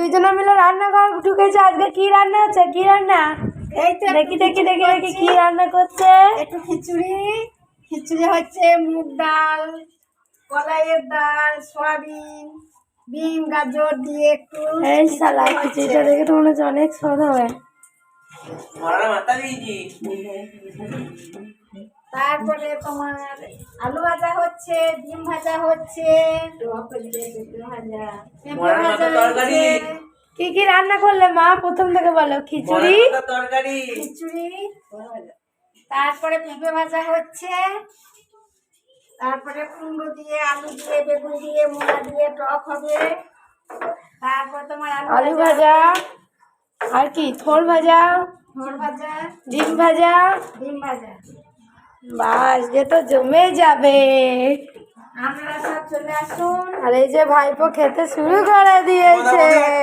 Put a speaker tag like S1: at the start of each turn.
S1: দুইজনে মিলে রান্নাঘর ঢুকেছে। আজকে কি রান্না হচ্ছে? কি রান্না?
S2: এই তো
S1: দেখি দেখি দেখি দেখি কি রান্না করছে।
S2: একটু খিচুড়ি হচ্ছে, মুগ ডাল, কলাইয়ের ডাল, সয়াবিন, বিন, গাজর দিয়ে একটু
S1: এই শালা খিচুড়িটা দেখে তো মনে হচ্ছে অনেক স্বাদ হবে।
S2: তারপরে তোমার আলু ভাজা হচ্ছে, ডিম ভাজা হচ্ছে, পেঁপে ভাজা হচ্ছে।
S1: কি কি রান্না করলে মা? প্রথম থেকে বলো। খিচুড়ি,
S2: তারপরে পেঁপে ভাজা হচ্ছে, তারপরে কুমড়ো দিয়ে, আলু দিয়ে, বেগুন দিয়ে, মূলা দিয়ে টক হবে। তারপর তোমার
S1: আলু ভাজা, আর কি? থোর ভাজা, ডিম ভাজা। বাস, যে তো জমে যাবে।
S2: আপনারা সব চলে আসুন।
S1: আর এই যে ভাইপো খেতে শুরু করে দিয়েছে।